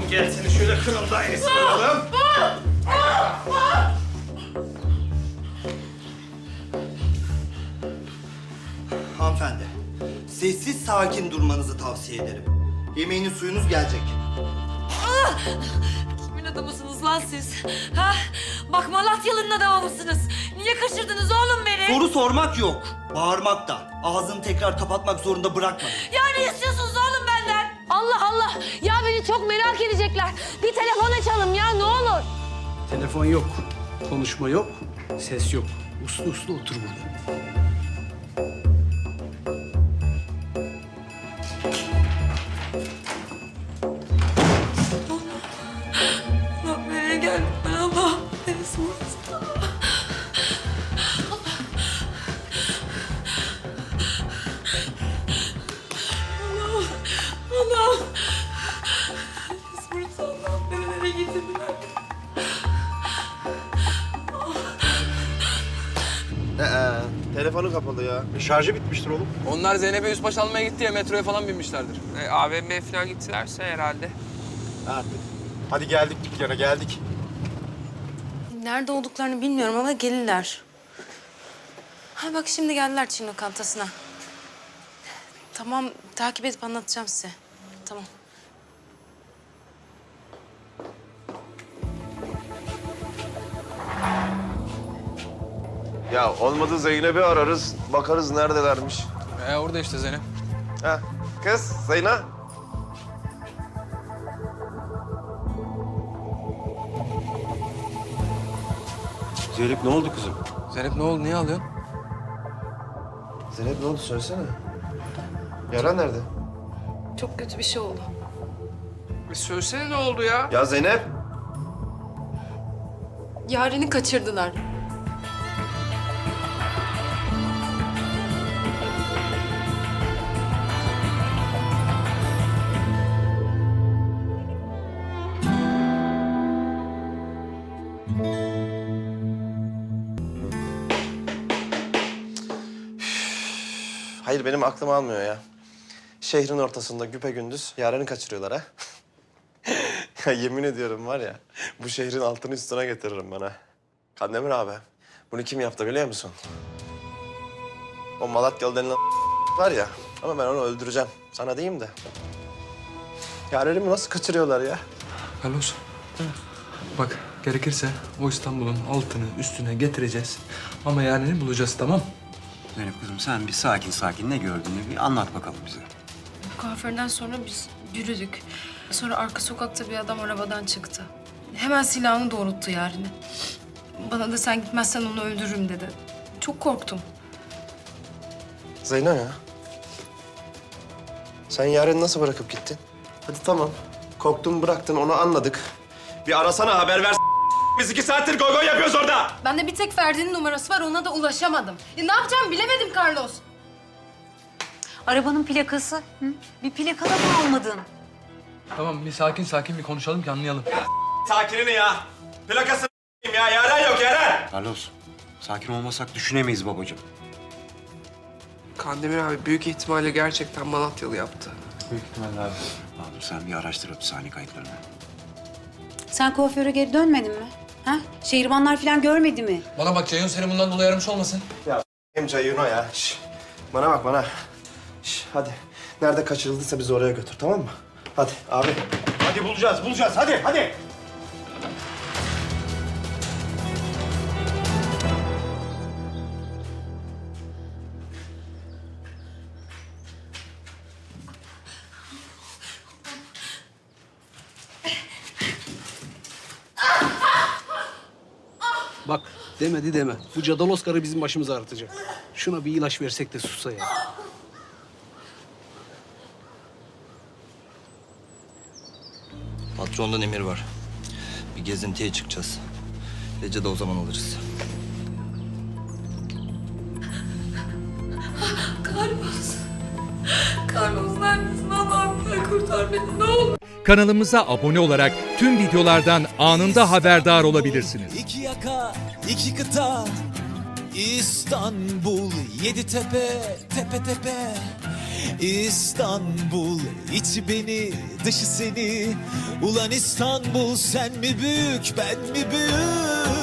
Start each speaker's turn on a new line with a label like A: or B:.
A: Gel seni şöyle kırılda esiralım.
B: Hanımefendi, sessiz sakin durmanızı tavsiye ederim. Yemeğiniz suyunuz gelecek.
C: Kimin adamısınız lan siz? Ha? Bak Malatyalı'nın adamı mısınız? Niye kaçırdınız oğlum beni?
B: Soru sormak yok, bağırmak da. Ağzını tekrar kapatmak zorunda bırakma.
C: Ya ne istiyorsunuz oğlum benden? Allah Allah! Ya beni çok merak edecekler. Bir telefon açalım ya ne olur.
D: Telefon yok, konuşma yok, ses yok. Uslu uslu otur burada.
C: Allah nereye geldim ben Allah? Neresi burası? Allah'ım, Allah'ım. Neresi burası Allah'ım? Beni nereye getirdiler?
E: Telefonu kapalı ya. Şarjı bitmiştir oğlum.
F: Onlar Zeynep'e yüzbaş almaya gitti ya metroya falan binmişlerdir.
G: AVM'ye falan gittilerse herhalde.
E: Artık. Hadi geldik dükkana, geldik.
H: Nerede olduklarını bilmiyorum ama gelirler. Ha bak şimdi geldiler Çin lokantasına. Tamam takip edip anlatacağım size. Tamam.
E: Ya olmadı Zeynep'i ararız, bakarız neredelermiş.
F: Orada işte Zeynep.
E: Ha, kız Zeynep. Zeynep ne oldu kızım?
F: Zeynep ne oldu? Niye ağlıyorsun?
E: Zeynep ne oldu söylesene. Yara nerede?
H: Çok kötü bir şey oldu.
G: Söylesene ne oldu ya?
E: Ya Zeynep.
H: Yaren'i kaçırdılar.
E: Hayır benim aklım almıyor ya. Şehrin ortasında güpegündüz Yaren'i kaçırıyorlar ha. Ya yemin ediyorum var ya, bu şehrin altını üstüne getiririm ben ha. Kandemir abi, bunu kim yaptı biliyor musun? O Malatyalı denilen var ya, ama ben onu öldüreceğim. Sana diyeyim de. Yaren'imi nasıl kaçırıyorlar ya?
F: Carlos. Bak gerekirse o İstanbul'un altını üstüne getireceğiz. Ama Yaren'i bulacağız tamam?
I: Zeynep kızım sen bir sakin ne gördüğünü bir anlat bakalım bize.
H: Kuaförden sonra biz yürüdük. Sonra arka sokakta bir adam arabadan çıktı. Hemen silahını doğrulttu Yaren'e. Bana da sen gitmezsen onu öldürürüm dedi. Çok korktum.
E: Zeyno ya. Sen Yaren'i nasıl bırakıp gittin? Hadi tamam. Korktun bıraktın, onu anladık. Bir arasana, haber ver. Biz 2 saattir goy goy yapıyoruz orada.
H: Bende bir tek Ferdi'nin numarası var, ona da ulaşamadım. Ne yapacağımı bilemedim Carlos.
C: Arabanın plakası. Hı? Bir plaka da mı almadın?
F: Tamam bir sakin bir konuşalım ki anlayalım.
E: Sakinini ya. Plakasını ya. Yaren yok, Yaren.
I: Carlos sakin olmasak düşünemeyiz babacığım.
G: Kandemir abi büyük ihtimalle gerçekten Malatyalı yaptı.
F: Büyük ihtimalle abi.
I: Abi sen bir araştır hapishane kayıtlarını.
J: Sen kuaföre geri dönmedin mi? Ha? Şehribanlar falan görmedi mi?
F: Bana bak Ceyhun seni bundan dolayı aramış olmasın.
E: Hem Cayuno ya. Şş. Bana bak bana. Şş, hadi. Nerede kaçırıldıysa bizi oraya götür, tamam mı? Hadi abi. Hadi bulacağız. Hadi.
D: Bak demedi deme. Bu Cadalos karı bizim başımızı ağrıtacak. Şuna bir ilaç versek de sussa ya.
B: Patrondan emir var. Bir gezintiye çıkacağız. Gece de o zaman alırız.
C: Carlos neredesin Allah'ım? Kurtar beni ne olur.
K: Kanalımıza abone olarak tüm videolardan anında haberdar olabilirsiniz.
L: İki yaka, iki kıta, İstanbul, 7 tepe, tepe tepe. İstanbul, içi beni, dışı seni. Ulan İstanbul, sen mi büyük, ben mi büyük?